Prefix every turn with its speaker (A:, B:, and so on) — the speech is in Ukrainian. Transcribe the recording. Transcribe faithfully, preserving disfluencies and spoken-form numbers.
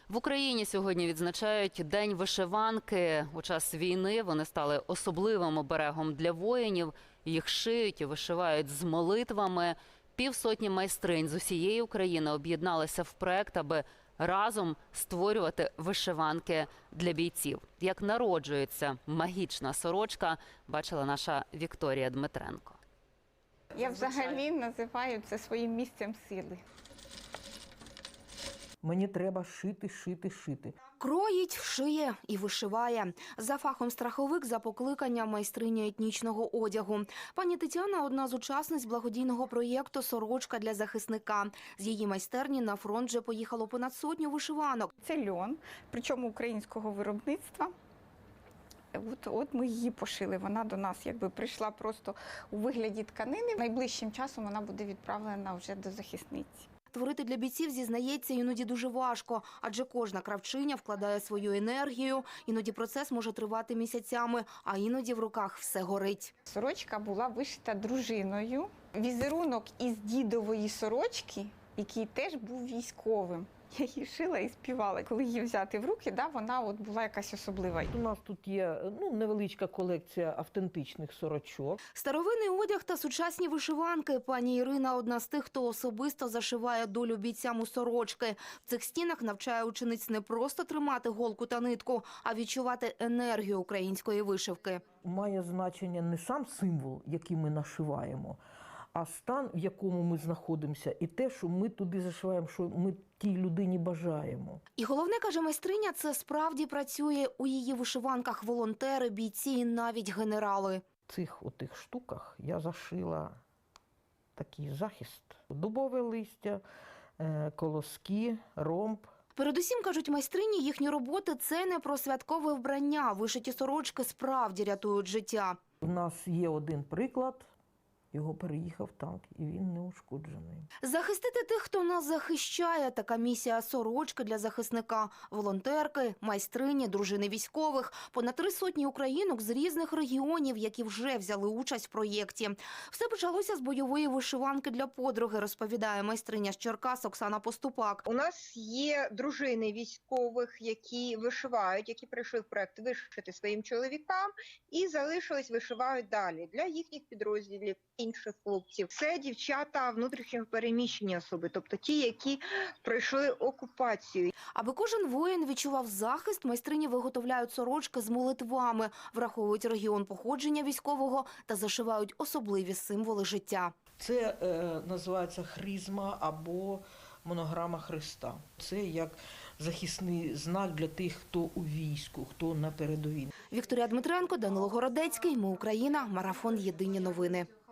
A: В Україні сьогодні відзначають День вишиванки. У час війни вони стали особливим оберегом для воїнів. Їх шиють і вишивають з молитвами. Півсотні майстринь з усієї України об'єдналися в проект, аби разом створювати вишиванки для бійців. Як народжується магічна сорочка, бачила наша Вікторія Дмитренко.
B: Я взагалі називаю це своїм місцем сили.
C: Мені треба шити, шити, шити.
D: Кроїть, шиє і вишиває. За фахом страховик, за покликанням майстриня етнічного одягу. Пані Тетяна – одна з учасниць благодійного проєкту «Сорочка для захисника». З її майстерні на фронт вже поїхало понад сотню вишиванок.
B: Це льон, причому українського виробництва. От, от ми її пошили. Вона до нас якби прийшла просто у вигляді тканини. Найближчим часом вона буде відправлена вже до захисниці.
D: Творити для бійців, зізнається, іноді дуже важко, адже кожна кравчиня вкладає свою енергію, іноді процес може тривати місяцями, а іноді в руках все горить.
B: Сорочка була вишита дружиною. Візерунок із дідової сорочки, який теж був військовим. Я її шила і співала. Коли її взяти в руки, да, вона от була якась особлива.
C: У нас тут є ну, невеличка колекція автентичних сорочок.
D: Старовинний одяг та сучасні вишиванки. Пані Ірина – одна з тих, хто особисто зашиває долю бійцям у сорочки. В цих стінах навчає учениць не просто тримати голку та нитку, а відчувати енергію української вишивки.
C: Має значення не сам символ, який ми нашиваємо, а стан, в якому ми знаходимося, і те, що ми туди зашиваємо, що ми тій людині бажаємо.
D: І головне, каже майстриня, це справді працює. У її вишиванках волонтери, бійці і навіть генерали.
C: В цих отих штуках я зашила такий захист. Дубове листя, колоски, ромб.
D: Передусім, кажуть майстрині, їхні роботи – це не про святкове вбрання. Вишиті сорочки справді рятують життя.
C: У нас є один приклад. Його переїхав танк, і він не ушкоджений.
D: Захистити тих, хто нас захищає – така місія «Сорочки для захисника». Волонтерки, майстрині, дружини військових. Понад три сотні українок з різних регіонів, які вже взяли участь в проєкті. Все почалося з бойової вишиванки для подруги, розповідає майстриня з Черкас Оксана Поступак.
E: У нас є дружини військових, які вишивають, які прийшли в проєкт вишити своїм чоловікам і залишились, вишивають далі для їхніх підрозділів, інших хлопців. Це дівчата внутрішньо переміщені особи, тобто ті, які пройшли окупацію.
D: Аби кожен воїн відчував захист, майстрині виготовляють сорочки з молитвами, враховують регіон походження військового та зашивають особливі символи життя.
C: Це е, називається хризма або монограма Христа. Це як захисний знак для тих, хто у війську, хто на передовій.
D: Вікторія Дмитренко, Данило Городецький. Ми Україна. Марафон. Єдині новини.